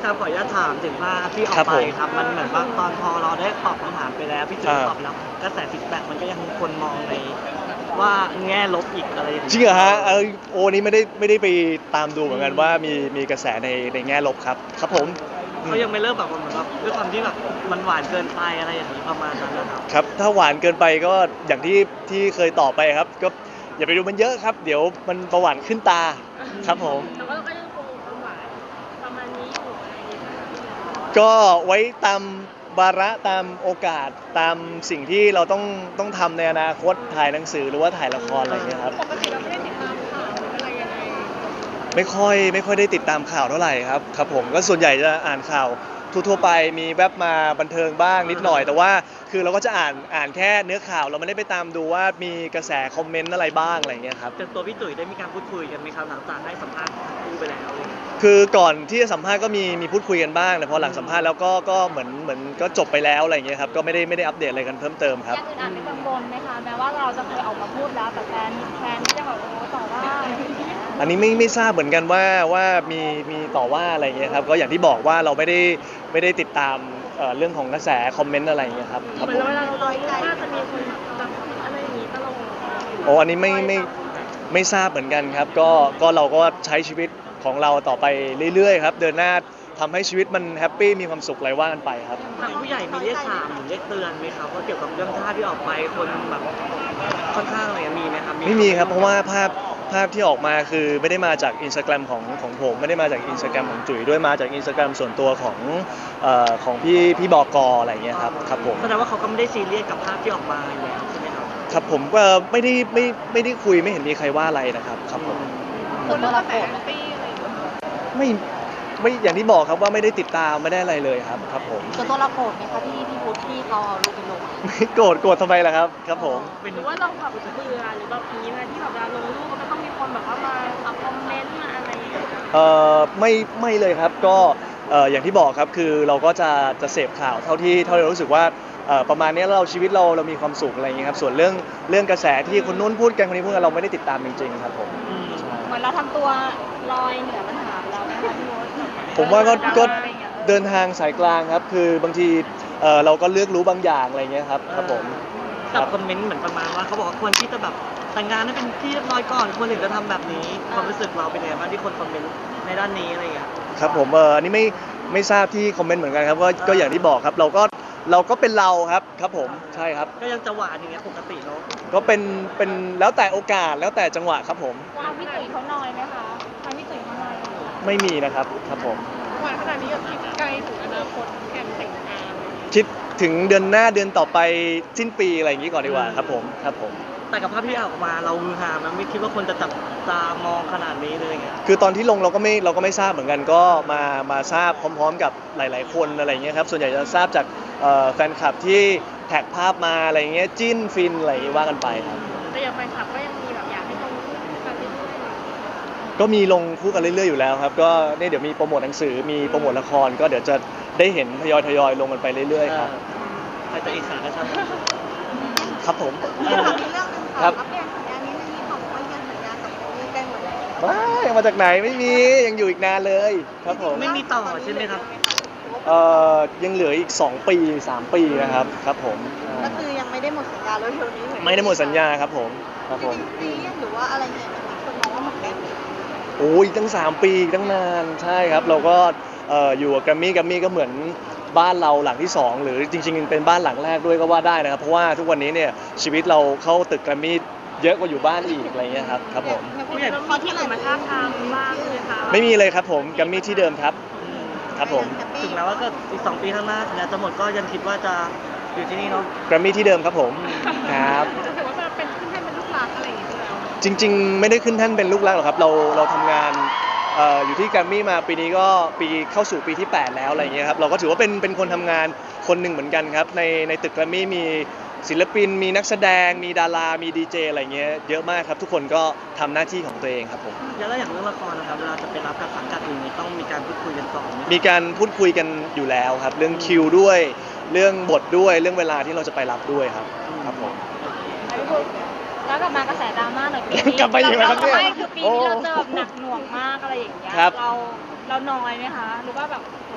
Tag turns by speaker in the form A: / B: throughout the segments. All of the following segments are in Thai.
A: ครับขออนุญาตถามถึงภาพที่ออ
B: ครั
A: ก
B: บ
A: ไป
B: ผม
A: ครับมันเหมือนว่าตอนพอเราได้ตอบคำถามไปแล้วพี่จุ๊บ
B: อ่า
A: ตอบไปแล้วกระแสฟีดแบ็กมันก็ยังมีคนมองในว่าแง่ลบอีกอะไรอย่าง
B: จริง
A: เงี้ย
B: เหรอฮะโอ้นี้ไม่ได้ไปตามดูเหมือนกันว่ามีกระแสในแง่ลบครับครับผม
A: เขายังไม่เริ่มแบบเหมือนแบบด้วยความที่แบบมันหวานเกินไปอะไรอย่างนี้ประมาณนั้นนะครับ
B: ครับถ้าหวานเกินไปก็อย่างที่เคยตอบไปครับก็อย่าไปดูมันเยอะครับเดี๋ยวมันประหวานขึ้นตาครับผม
C: แต่ว่าเราก็ยังคงความหวานประมาณนี้อยู่อะไรอย่างเงี้ยค่ะ
B: ก็ไว้ตามวาระตามโอกาสตามสิ่งที่เราต้องทำในอนาคตถ่ายหนังสือหรือว่าถ่ายละครอะไรอย่างเงี้ยครับ
C: ปกติเราไม่ได้ติดตามข่าวหรืออะไรยังไง
B: ไม่ค่อยได้ติดตามข่าวเท่าไหร่ครับครับผมก็ส่วนใหญ่จะอ่านข่าวทั่วๆไปมีแวบมาบันเทิงบ้างนิดหน่อยแต่ว่าคือเราก็จะอ่านแค่เนื้อข่าวเราไม่ได้ไปตามดูว่ามีกระแสคอมเมนต์อะไรบ้างอะไรอย่างเงี้ยครับ
A: จนตัวพี่ตุ๋ยได้มีการพูดคุยกันไหมครับหลังจากให้สัมภาษณ์คู่ไปแล้วอะไรอย่างเงี้ย
B: คือก่อนที่จะสัมภาษณ์ก็มีพูดคุยกันบ้างแต่พอหลังสัมภาษณ์แล้วก็เหมือนก็จบไปแล้วอะไรอย่างเงี้ยครับก็ไม่ได้อัปเดตอะไรกันเพิ่มเติมครับ
C: ยังอื่นอ่านไม่กังวลไหมคะแม้ว่าเราจะเคยออกมาพูดแล้วแต่แฟนที่จะแบบโอ้ต่อว่าอะไรอย่างเงี้ย
B: อันนี้ไม่ทราบเหมือนกันว่ามีต่อว่าอะไรอย่างเงี้ยครับก็อย่างที่บอกว่าเราไม่ได้ติดตามเรื่องของกระแสคอมเมนต์อะไรอย่างเงี้ยครับครับ
C: เหมือน
B: ผม
C: เวลาเราลอยใจว่าจะมีคนแบบอะไรอย่างงี้ตลอด
B: โอ้อันนี้ไม่ทราบเหมือนกันครับก็เราก็ใช้ชีวิตของเราต่อไปเรื่อยๆครับเดินหน้าทำให้ชีวิตมันแฮปปี้มีความสุขอะไรว่ากันไปครับ
A: ทางผู้ใหญ่มีเรียกถามหรือเรียกเตือนไหมครับว่าเกี่ยวกับเรื่องท่าที่ออกไปคนแบบค่อนข้างอะไรมีไหมครับ
B: ไม่มีครับเพราะว่าภาพที่ออกมาคือไม่ได้มาจากอินสตาแกรมของผมไม่ได้มาจากอินสตาแกรมของจุ๋ยด้วยมาจากอินสตาแกรมส่วนตัวของพี่บกอะไรอย่างเงี้ยครับครับผม
A: แสดงว่าเขาก็ไม่ได้ซีเรียสกับภาพที่ออกมาอยู่แล้วใช่ไหมครับ
B: ครับผมก็ไม่ได้คุยไม่เห็นมีใครว่าอะไรนะครับครับผม
C: คนเรื่องกระแสแฮปปี้อะไรอย่างเงี้ย
B: ไม่อย่างที่บอกครับว่าไม่ได้ติดตามไม่ได้อะไรเลยครับครับผม
D: ส่วนตัวเราโกรธไหมคะที่พุทธที่เขาเอารูปไปลง
B: ไม่โกรธทำไมล่ะครับครับผม
C: หรือว่าเราแบบเบื่อหรือแบบนี้นะที่แบบเวลาลงรูปมันก็ต้องมีคนแบบว่ามาคอมเมนต์มาอะไรอย่างเงี้ย
B: ไม่เลยครับก็อย่างที่บอกครับคือเราก็จะเสพข่าวเท่าที่เรารู้สึกว่าประมาณนี้เราชีวิตเรามีความสุขอะไรอย่างเงี้ยครับส่วนเรื่องกระแสที่คนนู้นพูดกันคนนี้พูดกันเราไม่ได้ติดตามจริงๆครับผมใช่
C: เหมือนเราทำตัวลอยเหนือปัญหาไปแล้วนะคะพี่โอ๊ต
B: ผมว่าก็เดินทางสายกลางครับคือบางทีเราก็เลือกรู้บางอย่างอะไรเงี้ยครับครับผมค
A: กั
B: รั
A: บบ คอมเมนต์เหมือนประมาณว่าเขาบอกว่าควรที่จะแบบแต่งงานให้เป็นที่เรียบร้อยก่อนควรถึงจะทำแบบนี้ความรู้สึกเราเป็นยังไงบ้างที่คนคอมเมนต์ในด้านนี้อะไรอย่างเงี้ย
B: ครับผมอันนี้ไม่ทราบที่คอมเมนต์เหมือนกันครับก็อย่างที่บอกครับเราก็เป็นเราครับครับผมใช่ครับ
A: ก็ยังจะหวานอย่างเงี้ยปกติเนาะ
B: ก็เป็นแล้วแต่โอกาสแล้วแต่จังหวะครับผม
C: ทางพี่ตุ๋ยเขานอยไหมคะทางพี่ตุ๋ยเขานอยไหม
B: ไม่มีนะครับครับผม
C: หวานขนาดนี้กับคิดไกลถึงอนาคตแข่งแต่งงาน
B: คิดถึงเดือนหน้าเดือนต่อไปสิ้นปีอะไรอย่างนี้ก่อนดีกว่าครับผมครับผม
A: แต่กับภาพที่ออกมาเราฮือฮามันไม่คิดว่าคนจะจับตามองขนาดนี้เลยไง
B: คือตอนที่ลงเราก็ไม่ทราบเหมือนกันก็มาทราบพร้อมๆกับหลายๆคนอะไรอย่างเงี้ยครับส่วนใหญ่จะทราบจากแฟนคลับที่แท็กภาพมาอะไรอย่างเงี้ยจิ้นฟินอะไรอย่างงี้ว่ากันไปครับ
C: แต่อย่างแฟนคลับก็ยังมีแบบอยากให้ลงรูปกันเรื่อยๆ
B: ก็มีลงคู่กันเรื่อยๆอยู่แล้วครับก็เนี่ยเดี๋ยวมีโปรโมทหนังสือมีโปรโมทละครก็เดี๋ยวจะได้เห็นทยอยลงกันไปเรื่อยๆครับ
A: ใครจะอิจฉาก็ช่าง
B: ครับผม
D: มีเรื่องหนึง
B: ครั
D: ค่ะ
B: บ
D: อัปเดตสัญญานี้ไม่มีบอกว่ายังสัญญากับมีใกล้หมดแล้ว
B: ไม่มาจากไหนไม่มียังอยู่อีกนานเลยครับผม
A: ไม่มีต่อใช่ไหมครับ
B: ยังเหลืออีก2 ปี 3 ปีนะครับครับผม
D: ก็คือยังไม่ได้หมดสัญญาแล้วเร็วนี้
B: ไม่ได้หมดสัญญาครับผมครับผม
D: ซีเรียสหรือว่าอะไรเนี่ยคนมองว่าหมดแล้ว
B: โอ้ยตั้ง3 ปีตั้งนานใช่ครับเราก็อยู่กับแกรมมี่ก็เหมือนบ้านเราหลังที่2หรือจริงๆเป็นบ้านหลังแรกด้วยก็ว่าได้นะครับเพราะว่าทุกวันนี้เนี่ยชีวิตเราเข้าตึกแกรมมี่เยอะกว่าอยู่บ้านอีกอะไรเงี้ยครับครับผม
C: ผู้ใหญ่มีที่อื่นมาท้าบทามบ้างเลยคะ
B: ไม่มีเลยครับผมแกรมมี่ที่เดิมครับครับผม
A: ถึงแม้ว่าก็อีก2 ปีข้างหน้าสัญญาจะหมดก็ยังคิดว่าจะอยู่ที่นี่เนาะ
B: แกรมมี่ที่เดิมครับผมครับ
C: จะถือว่าเป็นขึ้นให้เป็นลูกหลานอะไรอย่างเงี้ยแล้ว
B: จริงๆ ไม่ได้ขึ้นแท่นเป็นลูกรักหรอกครับเราทำงานอยู่ที่แกรมมี่มาปีนี้ก็ปีเข้าสู่ปีที่ 8 แล้วอะไรเงี้ยครับเราก็ถือว่าเป็นคนทำงานคนหนึ่งเหมือนกันครับในตึกแกรมมี่มีศิลปินมีนักแสดงมีดารามีดีเจอะไรเงี้ยเยอะมากครับทุกคนก็ทำหน้าที่ของตัวเองครับผม
A: แล้วอย่างเรื่องละครนะครับเวลาจะไปรับกับสังกัดอื่นนี่ต้องมีการพูดคุยกันก่อนไหม
B: มีการพูดคุยกันอยู่แล้วครับเรื่องคิวด้วยเรื่องบทด้วยเรื่องเวลาที่เราจะไปรับด้วยครับครับผม
C: แล้วกลับมากระแสดราม่าหน่อยปีนี้
B: กลับมาอีกแล้วครับเนี่ย
C: ไม่คือปีนี้เราเจอแบบหนักหน่วงมากอะไรอย่างเงี้ย
B: ครับ
C: เรานอยไหมคะหรือว่าแบบโห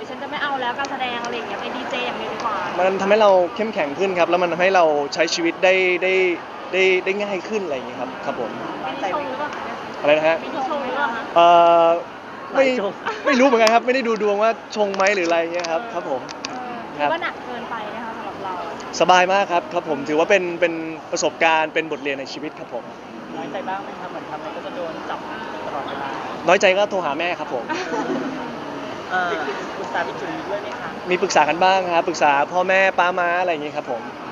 C: ยฉันจะไม่เอาแล้วการแสดงอะไรอย่างเงี้ยไปดีเจอย่างเดียวดีกว่า
B: มันทำให้เราเข้มแข็งขึ้นครับแล้วมันทำให้เราใช้ชีวิตได้ง่ายขึ้นอะไรอย่างเงี้ยครับครับผม
C: มีที่ชงหรือเปล่าคะ
B: อะไรนะฮะ
C: มีที่ชงหรือเปล่าคะ
B: เอ่อไม่
A: หลายชง
B: ไม่รู้เหมือนกันครับไม่ได้ดูดวงว่าชงไหมหรืออะไรเงี้ยครับครับผม
C: คิดว่าหนักเกินไปนะคะสำหรับเรา
B: สบายมากครับครับผมถือว่าเป็นประสบการณ์เป็นบทเรียนในชีวิตครับผม
A: น้อยใจบ้างไหมครับเหมือนทำอะไรก็จะโดนจับตลอดเวลา
B: น้อยใจก็โทรหาแม่ครับผม
A: ปรึกษาพี่จุ๋ยด้วยไหมคะ
B: มีปรึกษากันบ้างครับปรึกษาพ่อแม่ป้าม้าอะไรอย่างเงี้ยครับผม